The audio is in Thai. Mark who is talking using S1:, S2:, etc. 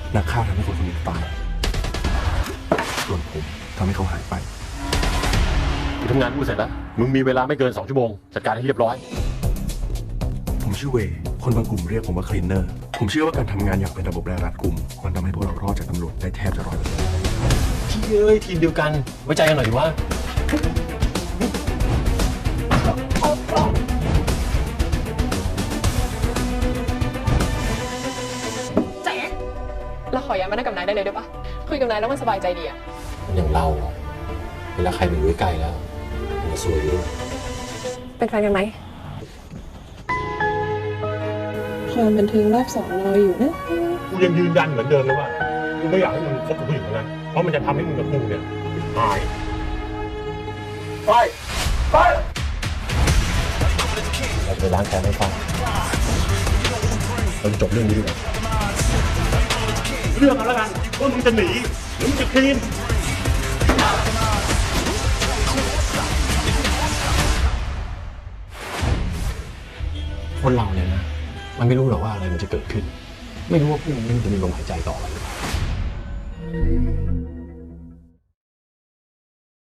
S1: นักฆ่าทำให้คนคนหนึ่งตายส่วนผมทำให้เขาหายไป
S2: กูทำงานกูเสร็จแล้วมึงมีเวลาไม่เกิน2 ชั่วโมงจัดการให้เรียบร้อย
S1: ผมชื่อเวย์คนบางกลุ่มเรียกผมว่าคลีนเนอร์ผมเชื่อว่าการทำงานอย่างเป็นระบบและรัดกุมมันทำให้พวกเรารอดจากตำรวจได้แทบจะ100%
S2: พี่เอ้ยทีมเดียวกันไว้ใจกันหน่อยดิวะ
S3: แจ๊คเราขอย้ายมานั่งกับนายได้เลยได้ปะคุยกับนายแล้วมันสบายใจดีอะ
S2: อย่างเราอะเวลาใครมันอยู่ใกล้แล้วมันจะสวยด้วย
S3: เป็นแฟนกันไหม
S4: ความบันเทิงรอบ2รออยู่นะ
S5: กูยังยืนยันเหมือนเดิมเลยว่ากูไม่อยากให้มึงคบกับผู้หญิงคนนั้นเพราะมันจะทำให้มึงกับกูเนี่ยตายไปไป
S2: เราจะไปล้างแค้นให้ฟังเราจะจบเรื่องนี้ดีกว่า
S5: เรื่องเอาแล้วกันว่ามึงจะหนีหรือมึงจะคลีน
S2: คนเราเนี่ยนะมันไม่รู้หรอกว่าอะไรมันจะเกิดขึ้น ไม่รู้ว่าพรุ่งนี้มันจะมีลมหายใจต่อหรือเปล่า